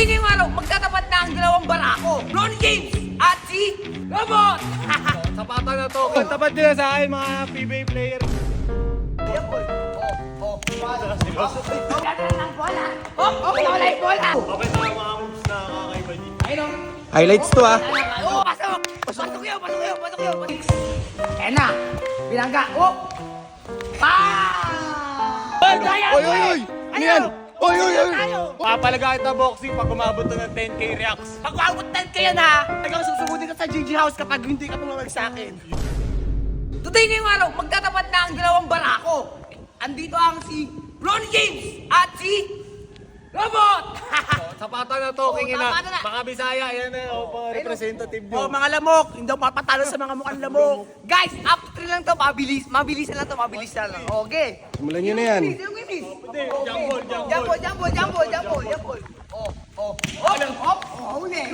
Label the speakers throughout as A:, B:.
A: Today ngayong araw, magtatapat na ang dalawang barako. Ronnie James at si Robot!
B: Sapatan na to. Tapat nila sa akin mga PBA player.
A: Ayan, boy. Gagawin ng bola. Nawala yung bola.
B: Okay na mga moves na kakaiba dito.
A: Ayun o.
C: Highlights to ah.
A: Pasok! Pasok yun. Ayan na. Binangga.
C: Oy! Ano yan? Oy!
B: Papalaga kita boxing pag umabot na ng 10k reacts.
A: Pag maabot 10 ka yan ha, talagang susugudin ka sa GG House kapag hindi ka tumawag sa akin. Today ngayong araw, magtatapat na ang dalawang barako. Andito ang si Ronnie James at si Robot!
B: Sapatan na to, king ina.
A: tapatan na.
B: Mga Bisaya, yan na. Mga representative nyo.
A: Mga lamok, hindi ako mapatalo sa mga mukhang lamok. Guys, up 3 lang to, mabilisan lang. Okay.
C: Simulan nyo na yan.
A: Jumbo. Huli.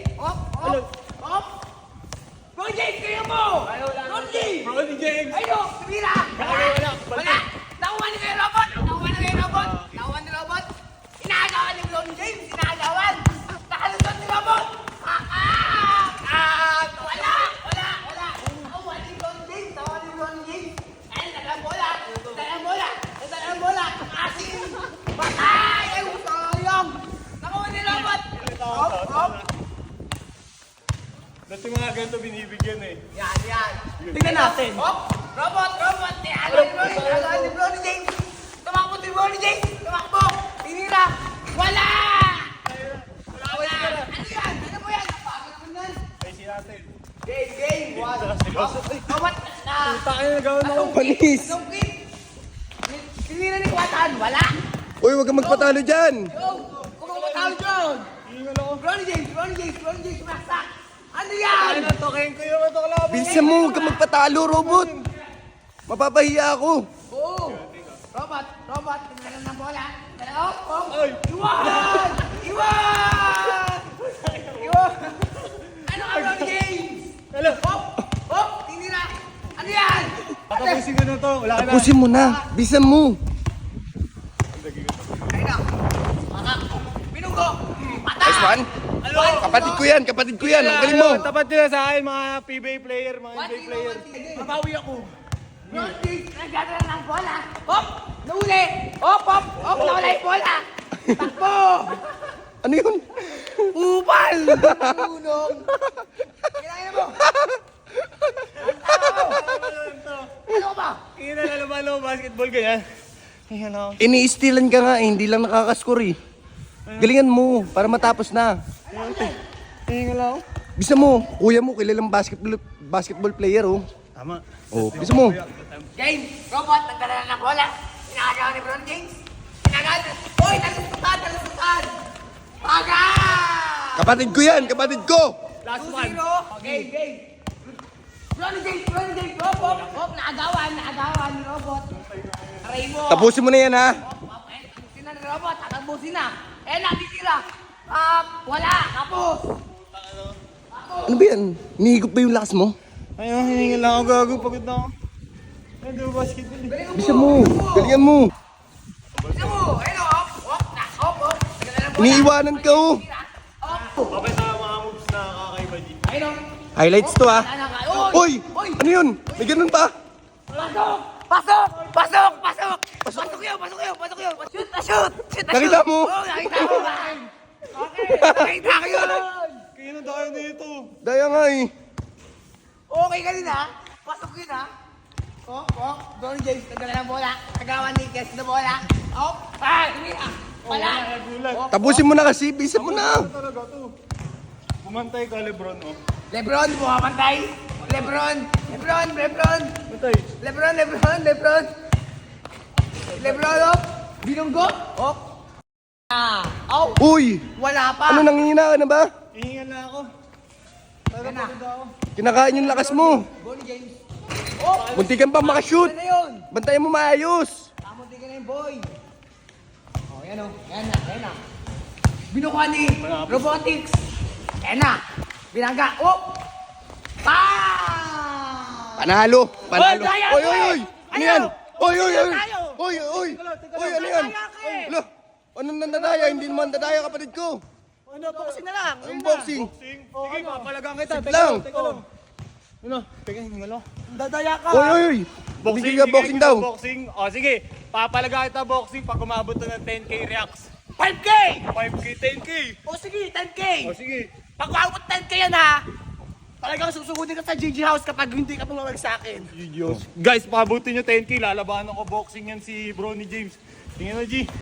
A: Ronnie James, kaya mo!
B: Ronnie James!
A: Ayun, tumira! Wala! Nakuha ni kayo Robot! Nakuha ni Robot! Inaagawan ni Ronnie James! Nakalusot ni Robot! Wala! Nakuha ni Ronnie James! Ayun, dalang bola! Asin! Patay! Ay, sayang! Nakuha ni Robot! Hop!
B: Dati mga ganito binibigyan eh.
A: Yan. Tingnan natin. Robot. Alam ni Ronnie James. Tumakbo ni Ronnie James. Tinira. Wala. Ano yan?
B: Ay si Atel.
A: Game. Robot.
B: Takin na gawin ako.
C: Panis!
A: Tinira ni Kuwatan. Wala.
C: Uy, huwag kang magpatalo dyan!
A: Kung matawag dyan.
B: Hingal ako.
A: Ronnie James. Sumaksak. Ano yan?
B: Ay na to, king kuya mo to kalaban.
C: Bilisan mo, huwag kang magpatalo, robot! Mapapahiya ako!
A: Oo. Robot. Tingnan ng bola.
B: Ay!
A: Iwan! Ano ka, Ronnie James?
B: Hello!
A: Tinira. Ano yan?
B: Patapusin ko na to. Wala ka na.
C: Tapusin mo na! Bilisan mo!
A: Ayun na. Binunggo. Patay.
C: Nice one! Kapatid ko yan! Ang galing mo!
B: Tapat nila sa akin mga PBA player, mga NBA player.
A: Mabawi ako. Ronnie James, nagdadala ng bola. Nahuli. Nawala yung bola. Takbo.
C: Ano yun?
A: Upal! Tunong! Kailangan mo! Ano ba?
B: Kaya na lalabalo, basketball ganyan. Ayan ako.
C: Ini-stealan ka nga eh, hindi lang nakakaskore eh. Galingan mo, para matapos na.
B: Hingal ako.
C: Bisa mo, kuya mo, kilalang basketball player oh.
B: Tama.
C: Oh, bisa mo.
A: Game! Robot, nagdala ng bola. Pinakagawa ni Bron James. Hoy, nalusutan! Paga!
C: Kapatid ko yan, kapatid ko!
B: Last one.
A: 2-0. Game. Ronnie James. Hop, naagawan ni Robot. Aray mo.
C: Tapusin mo na yan ha.
A: Tapusin na ni Robot, tatambusin na. Natitira. Wala, tapos.
C: Ano ba yan? Hinihigop ba yung lakas mo?
B: Ayun, hiningal lang ako, gago. Pagod na ako. Ayun, di ba basketball eh.
C: Bisa mo, galingan mo.
A: Bisa mo. Ayun, hop. Nagdala ng bola.
C: Iniiwanan ka oh.
B: Okay na mga moves na kakaiba dito.
A: Ayun,
C: Highlights to ah. Uy! Ano yun? May ganun pa?
A: Pasok! Pasok yun! Shoot!
C: Nakita mo?
A: Oo, nakita ko. Okay, nakita ko yun!
B: Kaya na tayo dito.
C: Daya nga eh.
A: Okay ka din ha? Pasok yun ha? Ronnie James, nagdala ng bola. Nagawa ni Kes na bola. Hindi na. Wala.
B: Nagulat.
C: Tapusin mo na kasi, bisa mo na.
B: Talaga to. Bumantay ka, Lebron, oh.
A: Lebron, bumapantay. Lebron.
B: Bantay.
A: Lebron, binunggo.
C: Uy!
A: Wala pa.
C: Ano, nangihina ka na ba?
B: Hihingal na ako.
A: Yan na.
B: Pagod ako.
C: Kinakain yung lakas mo.
A: Ronnie James.
C: Munti kang pa makashoot.
A: Ano na yun?
C: Bantayan mo maayos.
A: Tamunti ka na yung boy. Yan na. Binukuha ni Robotics. Yan na. Binangga.
C: Panalo.
A: Daya,
C: Oy! Ano yan? Oy!
A: Tayo.
C: Ano yan? Ano nandadaya? Hindi naman dadaya kapatid ko.
A: Ano, boxing na lang.
C: Unboxing.
B: Sige, papalagang kita.
C: Sit lang.
B: Teka lang. Ano? Teka, hinga lang.
A: Dadaya ka.
C: Oy. Boxing ka, boxing daw.
B: Boxing. O, sige. Papalaga kita boxing pag umabot na ng 10k reacts.
A: 5K!
B: 5k, 10k.
A: O sige, 10K.
B: O, sige.
A: Pag umabot 10K yan ha, talagang susugudin ka sa GG House kapag hindi ka tumawag sa akin.
B: Diyos. Guys, pabutin nyo 10k. Lalabanan ko boxing yan si Bro ni James. Tingnan na, G.